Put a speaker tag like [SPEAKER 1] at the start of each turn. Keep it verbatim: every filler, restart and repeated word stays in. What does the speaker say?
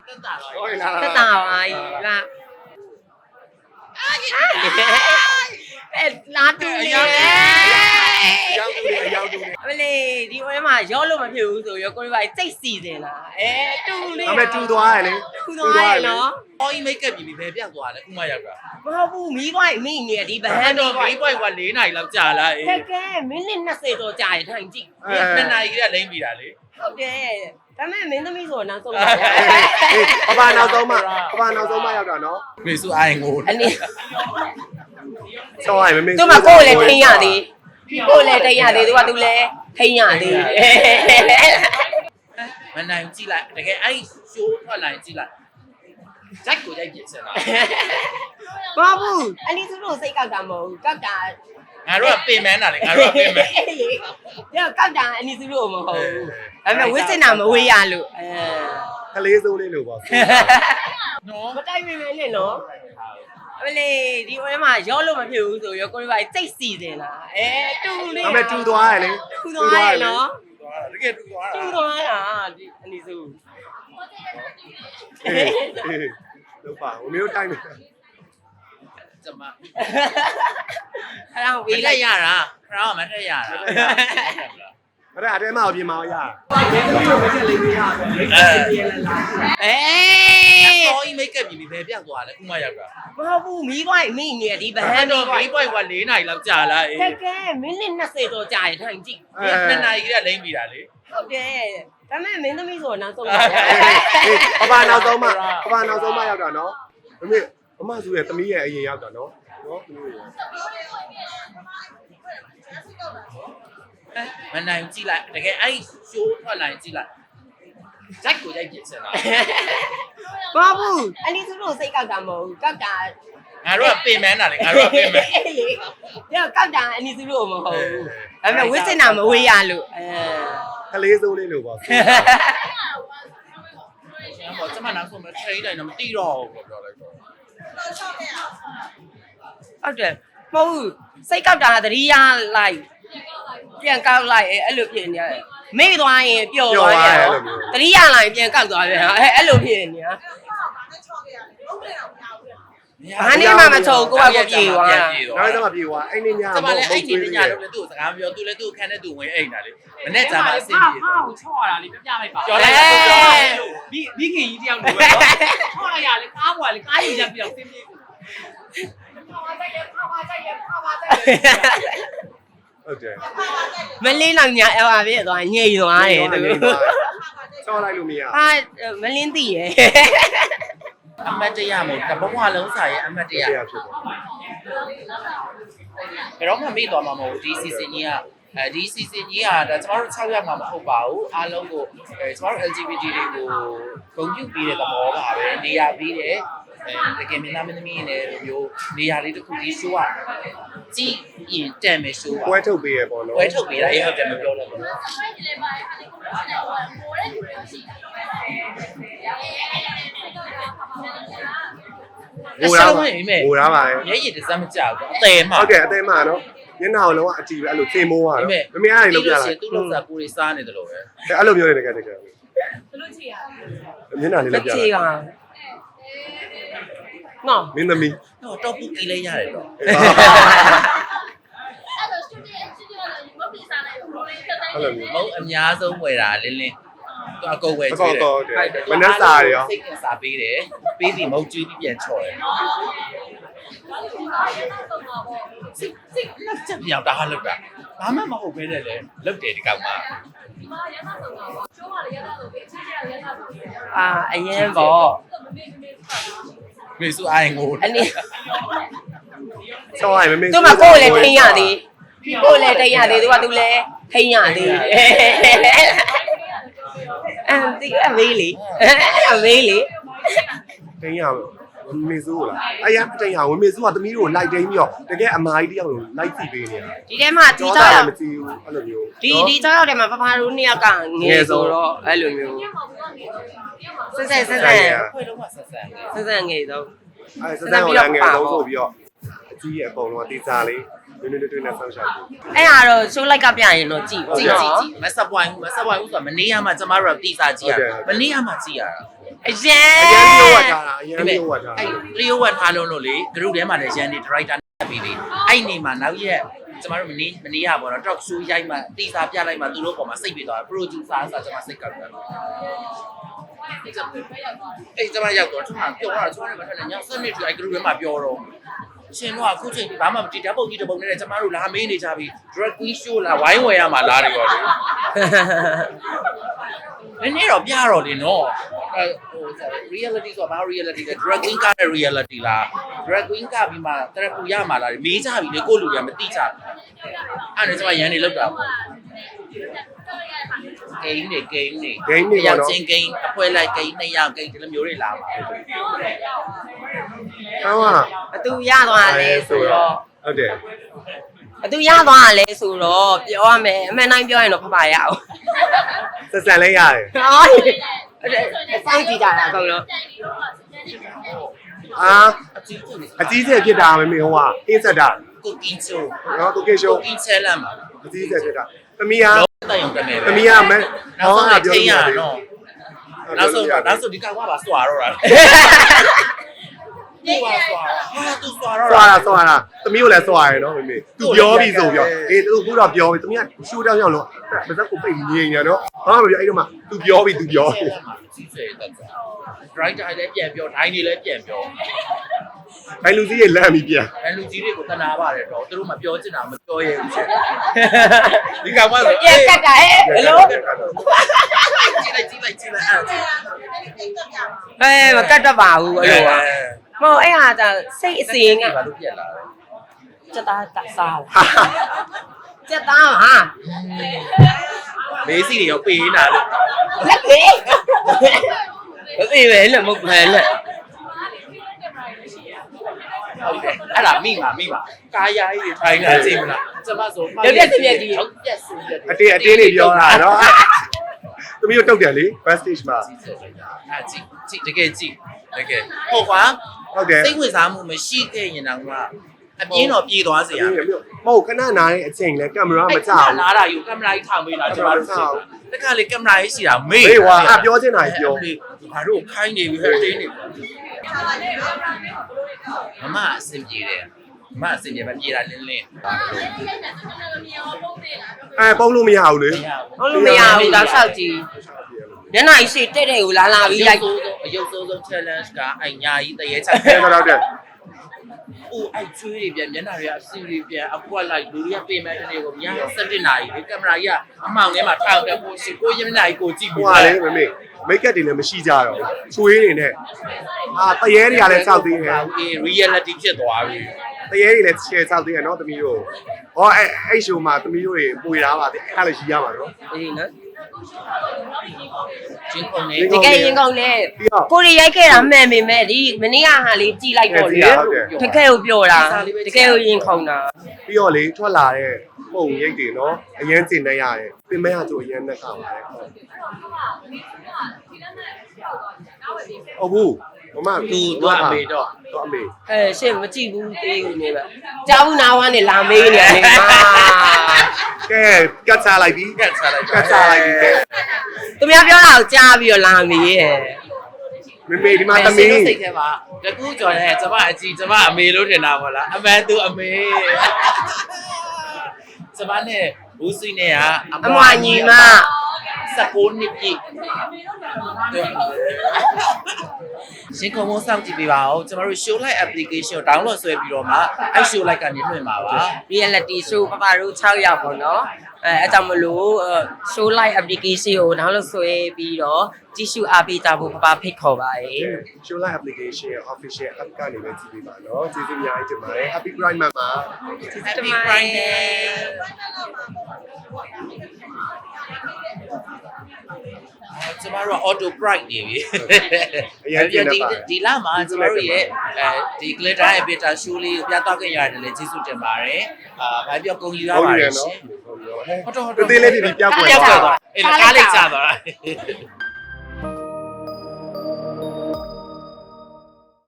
[SPEAKER 1] တက်တာပါ
[SPEAKER 2] တက်တာပါလာအဲလာတူနေ
[SPEAKER 3] အရောက်တူတယ်အရောက်တူတယ်
[SPEAKER 2] အမလေးဒီဝဲမှာရောလို့မဖြစ်ဘူးဆိုရောကိုရီးပါစိတ်စီစဉ်လာအဲတူနေ
[SPEAKER 3] ဒါပေမဲ့တူသွားရလေ
[SPEAKER 2] တူသွားရနော်
[SPEAKER 1] အော်ကြီးမိတ်ကပ်ပြီးဘယ်ပြောက်သွားလဲခုမှရောက်တာ
[SPEAKER 2] မဟုတ်ဘူးမီးကွိုက်မိနေဒီဗဟန်း
[SPEAKER 1] တော့
[SPEAKER 2] တော့
[SPEAKER 1] မိကွိုက်က၄နာရီလောက်ကြာလာအေး
[SPEAKER 2] ကဲကဲမိနစ်နှစ်ဆယ်တော့ကြာရထိုင်ကြည့်
[SPEAKER 1] နှစ်နာရီကလိမ့်ပြီတာလေ
[SPEAKER 2] ဟုတ်တယ်ဒါပေမဲ့မင်းသမီးဆိုတော့နောက်ဆုံးပါ
[SPEAKER 3] အေးပပနောက်ဆုံးမှပပနောက်ဆုံးမှရောက်တာနော်
[SPEAKER 1] မေစုအိုင်ငို
[SPEAKER 2] အနည်း
[SPEAKER 3] ဆောင်းရမမေ
[SPEAKER 2] သူမကိုယ်လည်းထိန်းရသေးကိုယ်လည်းထိန်းရသေးသူကသူလည်းထိန်းရသေး
[SPEAKER 1] မနိုင်ကြည့်လိုက်တကယ်အဲ့ရှိုးထွက်လာကြည့်လိုက်ဂျက်ကိုရိုက်ပြစ်စင်တာ
[SPEAKER 2] မဟုတ်ဘူးအနည်းသူတို့စိတ်ကောက်တာမဟုတ်ဘူးကောက်တာ
[SPEAKER 1] ငါတို့ကပင်မန်းတာလေငါတို့ကပင်မန်း
[SPEAKER 2] ညကောက်တာအနည်းသူတို့မဟုတ်ဘူးဒါပေမဲ့ဝစ်စင်တာမဝေးရလို့အဲ
[SPEAKER 3] ကလေးစိုးလေးလို့ပေါ့
[SPEAKER 1] နော်
[SPEAKER 2] မတိုက်မိမဲနဲ့နော်အမလေးဒီဝဲမှာရောလို့မဖြစ်ဘူးဆိုရောကိုရီးပါစိတ်စီစဉ်လာအဲတူနေ
[SPEAKER 3] ဒါပေမဲ့တူသွားရလေ
[SPEAKER 2] တူသွားရနော်
[SPEAKER 1] တကယ်တူသွားတာ
[SPEAKER 2] တူသွားတာဒီအနည်းစု
[SPEAKER 3] အေးအေးလို့ပါဝမျိုးတိုင်းမယ်
[SPEAKER 1] ကျမ
[SPEAKER 2] အဲ့ဒါဝေး
[SPEAKER 1] ဝေး
[SPEAKER 2] လို
[SPEAKER 1] လိုက် က်ရတာခရောင်းမထက်ရတာ
[SPEAKER 3] အဲ့ဒါအတဲမအောင်ပြင်မအောင်ရ
[SPEAKER 1] အဲ
[SPEAKER 2] အေး
[SPEAKER 1] အော်ကြီးမိတ်ကပ်ပြီးဘယ်ပြောက်သွားလဲခုမှရောက်တာ
[SPEAKER 2] မဟုတ်ဘူးမီးကွိုက်မိနေဒီဗဟန်း
[SPEAKER 1] တော့
[SPEAKER 2] တော့
[SPEAKER 1] မိကွိုက်က၄နာရီလောက်ကြာလာအေး
[SPEAKER 2] ကဲကဲမိနစ်နှစ်ဆယ်တော့ကြာရထိုင်ကြည့်
[SPEAKER 1] နှစ်နာရီကလိမ့်ပြီတာလေ
[SPEAKER 2] ဟုတ်တယ်ဒါပေမဲ့မင်းသမီးဆိုတော့နောက်ဆုံးပါ
[SPEAKER 3] အေးပပနောက်ဆုံးမှပပနောက်ဆုံးမှရောက်တာနော်မမေအမစုရဲ့သမီးရဲ့အရင်ရောက်တာနော်နော်သမီးရဲ့
[SPEAKER 1] မနိုင်ကြည့်လိုက်တကယ်အဲ့ရှိုးထွက်လာကြည့်လိုက်ဂျက်ကိုရိုက်ပြစ်စင်တာ
[SPEAKER 2] မဟုတ်ဘူးအနည်းသူတို့စိတ်ကောက်တာမဟုတ်ဘူးကောက်တာ
[SPEAKER 1] ငါတို့ကပင်မန်းတာလေငါတို့ကပင်မန်း
[SPEAKER 2] ညကောက်တာအနည်းသူတို့မဟုတ်ဘူးဒါပေမဲ့ဝစ်စင်တာမဝေးရလို့အဲ
[SPEAKER 3] ကလေးစိုးလေးလို့ပေါ့
[SPEAKER 1] ကျွန်တော်ကျမနောက်ဆုံးမထိတိုင်းတော့မတိတော့ဘူးပြောလိုက်တော့
[SPEAKER 2] ဟုတ်တယ်မဟုတ်ဘူးစိတ်ကောက်တာသတိရလိုက်ပြန်ကောက်လိုက်အဲ့လိုဖြစ်နေတယ်မေ့သွားရင်ပျော်သွားတယ်သတိရလိုက်ပြန်ကောက်သွားပြန်အဲ့အဲ့လိုဖြစ်နေတာ ဘာနဲ့မှမချုံကိုကကိုပြေသွားတာ
[SPEAKER 3] နောက်တော့မပြေသွားအဲ့နေည
[SPEAKER 1] ကျမလည်းအဲ့ဒီညတော့လည်းသူ့စကားပြောသူလည်းသူ့ခန်းနဲ့သူဝင်အိမ်တာလေမနေ့ကမှအဆင်ပြေ
[SPEAKER 4] ဟောက်ချော့ရတာလေပြပြလိုက်ပါ
[SPEAKER 1] ပြောလိုက်ပြောလိုက်
[SPEAKER 4] မိမိခင်ကြီးတယောက်လိုပဲနော်ချော့လိုက်ရလေကားပေါ်လေကားကြီးရက်ပြောင်းစင်းပြေ
[SPEAKER 3] ဟုတ်တယ်
[SPEAKER 2] မလင်းတော့ညာအဲ့ပါပြည့်သွားညိတ်သွားတယ်သူ
[SPEAKER 3] ချောလိုက်လို့မရ
[SPEAKER 2] ဟာမလင်းသိရယ်
[SPEAKER 1] အမတ်တရမို့တဘဝလုံးစာရဲ့အမတ်တရ
[SPEAKER 3] တရားဖြစ်တယ်
[SPEAKER 1] ဘယ်တော့မှမေ့သွားမှာမဟုတ်ဒီစီစဉ်ကြီးကအဲဒီ season ကြီးကဒါကျမတို့၆ရက်မှမဟုတ်ပါဘူးအားလုံးကိုအဲကျမတို့ L G B T တွေကိုဂုဏ်ပြုပေးတဲ့သဘောပါပဲနေရာပေးတယ်အဲတကယ်မင်းသားမင်းသမီးတွေလည်းမျိုးနေရာလေးတစ်ခုဒီ show ကကြည့်ရင်တန်မယ် show က
[SPEAKER 3] ပွဲထုတ်ပေးရပေါ့နော်
[SPEAKER 1] ပွဲထုတ်ပေးတာအေးဟုတ်တယ်မပြောလို့ဘူး
[SPEAKER 3] ဟိုရပါဟိုရပါလေ
[SPEAKER 1] ရဲရည်တစ်စမ်းမကြောက်ဘူးအသေးမှ
[SPEAKER 3] ဟုတ်တယ်အသေးမှနော်ညနာကိုလုံးဝအကြည့်ပဲအဲ့လိုသင်မိုးရတော့မမေအားနေလောက်ပြလာ
[SPEAKER 1] သူ့လောက်စားပူတွေစားနေတယ်လို့ပဲ
[SPEAKER 3] အဲ့လိုပြောနေတကယ်တကယ်
[SPEAKER 4] ဘလို့ချီရ
[SPEAKER 3] မျက်နှာလေး
[SPEAKER 2] မ
[SPEAKER 3] လောက်ပြ
[SPEAKER 2] ချေ
[SPEAKER 3] လာ
[SPEAKER 2] ပါနော်
[SPEAKER 3] မင်းသမီး
[SPEAKER 1] တော့တော့ပူကြည့်လိုက်ရတယ်တော့
[SPEAKER 3] အဲ့လိုမျိုး
[SPEAKER 1] မဟုတ်အများဆုံးဝယ်တာလင်းလင်းသူအကုန်ဝယ်
[SPEAKER 3] အ
[SPEAKER 1] ကျွေး
[SPEAKER 3] ကော
[SPEAKER 1] တယ်
[SPEAKER 3] တော့တယ်မနှက်စာရော
[SPEAKER 1] စိတ်ကစားပေးတယ်ပေးစီမဟုတ်ကျွေးပြီးပြန်ချော်တယ်စိတ်စိတ်လက်ချက်ပြောင်းတာဟာလောက်တာဘာမှမဟုတ်ပဲလေလုတ်တယ်ဒီကောင်က
[SPEAKER 2] အာအရင်ပေါ့
[SPEAKER 1] မေစုအိုင်ငို
[SPEAKER 2] အနည်း
[SPEAKER 3] ချောလိုက်မမေ
[SPEAKER 2] သူမကိုယ်လည်းထိန်းရသေးကိုယ်လည်းထိန်းရသေးသူကသူလည်းထိန်းရသေးအဲဒီအမေးလေအမေးလေ
[SPEAKER 3] တင်းရမေစုလားအဲ့ရတင်းရဝင်မေစုကသမီးတို့လိုက်တင်းပြီးတော့တကယ်အမားကြီးတယောက်လုံးလိုက်ကြည့်ပေးနေတာ
[SPEAKER 2] ဒီထဲမှာဒီကြောက်
[SPEAKER 3] မကြည့်ဘူးအဲ့လိုမျိုး
[SPEAKER 2] ဒီဒီကြောက်တဲ့မှာဖဖတို့နှစ်ယောက်ကငယ်ဆိုတော့အဲ့လိုမျိုးဆက်ဆက်ဆက်ဆက်
[SPEAKER 1] ခွေတော့မှဆက်ဆက်နေ
[SPEAKER 2] ဆက်ဆက်ငယ်တော့
[SPEAKER 3] အဲ့စစံကိုလည်းငယ်တော့ဆိုပြီးတော့အကြီးရဲ့အပုံလုံးကတေးစားလေးနည်းနည်းတွေ့နေဆောင်းရှာတယ်
[SPEAKER 2] အဲ့ဟာတော့ show like ကပြရင်တော့ကြည့်
[SPEAKER 1] ကြည့်ကြည့်ကြည့်မဆက်ပွိုင်းမဆက်ပွိုင်းဘူးဆိုတာမနေရမှကျမတို့ကတီစာကြည့်ရမနေရမှကြည့်ရတာ
[SPEAKER 2] အရင်
[SPEAKER 3] အရင်မျိုးဝတ်ထားတာအရင်မျိုးဝတ်ထား
[SPEAKER 1] အဲ့လျှို့ဝတ်ထားလို့လို့လေ group ထဲမှာလည်းရန်နေ director နဲ့ပြီးပြီအဲ့နေမှာနောက်ရက်ကျမတို့မနေ့မနေ့ကပေါ့နော် talk show ရိုက်မှတီစာပြလိုက်မှသူတို့ပေါ်မှာစိတ်ပြေသွားတယ် producer ဆိုကျမစိတ်ကောက်တယ်အဲ့ကျမရောက်တော့ကျမပြောတော့ကျမလည်းမထွက်နဲ့ညစနစ်တူအဲ့ group ထဲမှာပြောတော့ရှင်တို့ကအခုချိန်ဘာမှမတီးဓာတ်ပုံကြီးတပုံနဲ့ကျမတို့လာမေးနေကြပြီ drag queen show လာဝိုင်းဝယ်ရမှာလားတွေရောလေနည်းနည်းတော့ပြတော့လေနော်အဲဟို reality ဆိုတာဘာ reality လဲ drag queen ကတဲ့ reality လား drag queen ကပြီးမှတရပူရမှာလားမေးကြပြီလေကိုလူရမသိကြဘူးအဲ့ဒါကျမရန်နေလောက်တာပေါ့ဂိမ်းနေဂိမ်းနေရောက်ချင်းဂိမ်းအဖွဲလိုက်ဂိမ်းနှစ်ယောက်ဂိမ်းဒီလိုမျိုးတွေလာပါဘူး
[SPEAKER 3] ဟောက
[SPEAKER 2] ဘသူရသွားလဲဆိုတော့
[SPEAKER 3] ဟုတ်တယ်
[SPEAKER 2] ဘသူရသွားလဲဆိုတော့ပြောရမယ်အမှန်တိုင်းပြောရင်တော့ဖဖရအောင်
[SPEAKER 3] ဆက်ဆံလဲရတယ်
[SPEAKER 2] ဟောစောင့်ကြည့်ကြတာအကုန်လုံး
[SPEAKER 3] အာ
[SPEAKER 1] အကြီးကြီး
[SPEAKER 3] အကြီးကျယ်ဖြစ်တာမမေဟိုကအင်းဆက်တာ
[SPEAKER 1] ကိုကင်းချို
[SPEAKER 3] နော်ကိုကေရှိုး
[SPEAKER 1] ကိုကင်းချဲလမ်းပါ
[SPEAKER 3] အကြီးကျယ်ဖြစ်တာသမီးက
[SPEAKER 1] တော့တန်ရုံတက်နေပဲ
[SPEAKER 3] သမီးကမဲ
[SPEAKER 1] နောက်ဆုံး
[SPEAKER 3] ဟော
[SPEAKER 1] တော့
[SPEAKER 3] ပြော
[SPEAKER 1] ထိ
[SPEAKER 3] လို့
[SPEAKER 1] ရ
[SPEAKER 3] ရတယ်
[SPEAKER 1] တော့နောက်ဆုံးတော့နောက်ဆုံးဒီကောင်ကပါစွာတော့တာသူကစွာဟာသူစွာတော့
[SPEAKER 3] ဆွာတာဆွာတာသမီးကိုလည်းဆွာရယ်နော်မမေသူပြောပြီးဆိုပြောအေးသူခုတော့ပြောပြီးသမီးကရှိုးတောင်းရောက်လို့ပါဇက်ကိုပိတ်ငြိမ်နေတော့ဘာမှမပြောအဲ့တော့မှသူပြောပြီးသူပြော
[SPEAKER 1] ကြီးစေတက်တာ driver လည်းပြန်ပြော တိုင်းတွေလည်းပြန်ပြော
[SPEAKER 3] ဘိုင်လူကြီးရဲ့လမ်းပြီးပြန်
[SPEAKER 1] အဲလူကြီးတွေကိုတနာပါတယ်တော့သူတို့မပြောချင်တာမပြောရဲဘူးရှင်ဒီကောင်ကဆို
[SPEAKER 2] ပြက်ကတ်တာဟဲ့ဘယ်လို
[SPEAKER 1] ကြည့်လိုက်ကြည့်လိုက်ကြည့်လိုက်အဲ့
[SPEAKER 2] အဲမကတ်တော့ပါဘူးအဲ့လိုပါမဟုတ်အဲ့ဟာじゃစိတ်အစီရင်က
[SPEAKER 1] ဘာလို့ပြက်လာလဲ
[SPEAKER 2] စက်သားတစားလာစက်သားဟာ
[SPEAKER 1] မေးစီတွေရောပေးနေတာလို့
[SPEAKER 2] လက်ပေမသိပဲလက်မဟုတ်ပဲလက်
[SPEAKER 1] ဟုတ်တယ်အဲ့ဒါမိပါမိပါကာယာကြီးတွေထိုင်နေတာကြည့်မလားကျမဆိုဟုတ်ပြက်စီပြက်
[SPEAKER 3] အတေးအတေးလေးပြောတာနော်သမီးကိုတုတ်တယ်လေ best stage မှာ
[SPEAKER 1] အဲ့ကြည့်ကြည့်တကယ်ကြည့်တကယ်ဟုတ်ကွာ
[SPEAKER 3] ဟုတ်တယ်
[SPEAKER 1] စိတ်ဝင်စားမှုမရှိခဲ့ရင်တော့ကအပြင်းတော့ပြေးသွားစေရမယ်
[SPEAKER 3] မဟုတ်ခဏနားတဲ့အချိန်လဲကင်မရာမကြောက်
[SPEAKER 1] လာတာယူကင်မရာကြီးထောင်ပေးတာကျမတို့ရှိတခါလေကင်မရာကြီးရှိတာမေး
[SPEAKER 3] မေးဝါအပြောချင်တာပြော
[SPEAKER 1] ဘာတို့ခိုင်းနေပြီဟဲ့တင်းနေမမအဆင်ပြေတယ်မမအဆင်ပြေမပြေတာလင်းလင်း
[SPEAKER 3] အဲပုံလို့မရဘူးလေ
[SPEAKER 2] ဟုတ်လို့မရဘူးတော့ဆောက်ကြည့်ညနေရှိတဲ့တဲ့ကိုလာလာပြီးလိုက်
[SPEAKER 1] အယုတ်ဆုံးဆုံး challenge ကအိုင်ညာကြီးတရေချ
[SPEAKER 3] အဲတော့တဲ့
[SPEAKER 1] အိုးအိုက်ချွေးတွေပြန်မျက်နှာတွေကအစီတွေပြန်အကွက်လိုက်လူတွေကပြင်မဲ့တဲ့ကိုညစက်တင်နာရီဒီကင်မရာကြီးကအမှောင်ထဲမှာထောက်တယ်ကိုရှိကိုမျက်နှာကြီးကိုကြည့်
[SPEAKER 3] ဟို
[SPEAKER 1] ပြီး
[SPEAKER 3] ကလေမမေမိတ်ကပ်တွေလည်းမရှိကြတော့ချွေးနေနဲ့အာတရေတွေကလည်းစောက်သေးတယ်
[SPEAKER 1] အေး reality ဖြစ်သွားပြီ
[SPEAKER 3] တရေတွေလည်း share စောက်သေးတယ်နော်သမီးတို့ဟောအဲအဲ့ show မှာသမီးတို့တွေပွေတာပါတဲ့အဲ့လည်းရှိရမှာနော်
[SPEAKER 2] အေးနော်
[SPEAKER 1] ချင်းခုန်နေ
[SPEAKER 2] တကယ်ရင်ကုန်လေကိုရီရိုက်ခဲ့တာမှန်ပေမဲ့ဒီမနေ့ကဟာလေးကြည်လိုက်တော့လေတကယ်ကိုပြောတာတကယ်ကိုရင်ခုန်တာ
[SPEAKER 3] ပြီးတော့လေထွက်လာတဲ့ပုံရိပ်တွေနော်အရင်ကျင်နေရတယ်ပြင်မဲ့ဟာဆိုအရင်နဲ့ကောက်ပါတယ်ဟုတ်ဘူးမမ
[SPEAKER 1] သူတော့အမေတော့
[SPEAKER 3] တော့အမေ
[SPEAKER 2] အဲရှင့်မကြည့်ဘူးသေးဘူးနေပဲကြောက်နာဝမ်းနဲ့လာမေးနေတယ်မာ
[SPEAKER 3] ကဲကတ်ချလိုက်ပြီ
[SPEAKER 1] ကတ်ချလိုက်က
[SPEAKER 3] တ်ချလိုက်ပြီ
[SPEAKER 2] သူများပြောတာကိုကြားပြီးတော့လာမေးရဲ့
[SPEAKER 3] မေမေဒီမှာ
[SPEAKER 1] မ
[SPEAKER 3] တ
[SPEAKER 1] မီး
[SPEAKER 3] မီး
[SPEAKER 1] စိတ်ထဲမှာတကူကြော်တဲ့ကျမအကြီးကျမအမေလို့ထင်တာပေါ့လားအမှန်သူအမေကျမနဲ့ဘူးစီနဲ့ကအ
[SPEAKER 2] အမွာညီမ
[SPEAKER 1] စကိုးနှစ်ပြည့်ရှင်ကုံမစောင့်ကြည့်ပေးပါဦးကျမတို့ show light application ကို download ဆွဲပြီးတော့မှအဲ့ show light ကနေလွှင့်ပါပါ
[SPEAKER 2] reality show ပပတို့၆ယောက်ပေါ့နော်အဲအကြောင်းမလို့ show live application ကို download ဆွဲပြီးတော့ကြည့်ရှုအားပေးကြဖို့ပပဖိတ်ခေါ်ပါတယ်
[SPEAKER 3] show live application ရဲ့ official app ကနေပဲကြည့်ပေးပါနော်ကျေးဇူးအများကြီးတင်ပါတယ် happy pride month ပါ
[SPEAKER 1] Happy Friday ကျမတို့ auto bright နေပြီဒီဒီလမှာကျမတို့ရဲ့အဲဒီ glitter ရဲ့ beta show လေးကိုပြသခဲ့ရတယ်လေကျေးဇူးတင်ပါတယ်အာဘာပြောကုန်ယူရပါတယ်ရှင်
[SPEAKER 3] ဟုတ်တော့ဟုတ်တော့တေးလေးတွေပြောက်ွယ်
[SPEAKER 1] ပြောက်ွယ်သွားအဲ့ဒါကားလေးကြာသွားတာ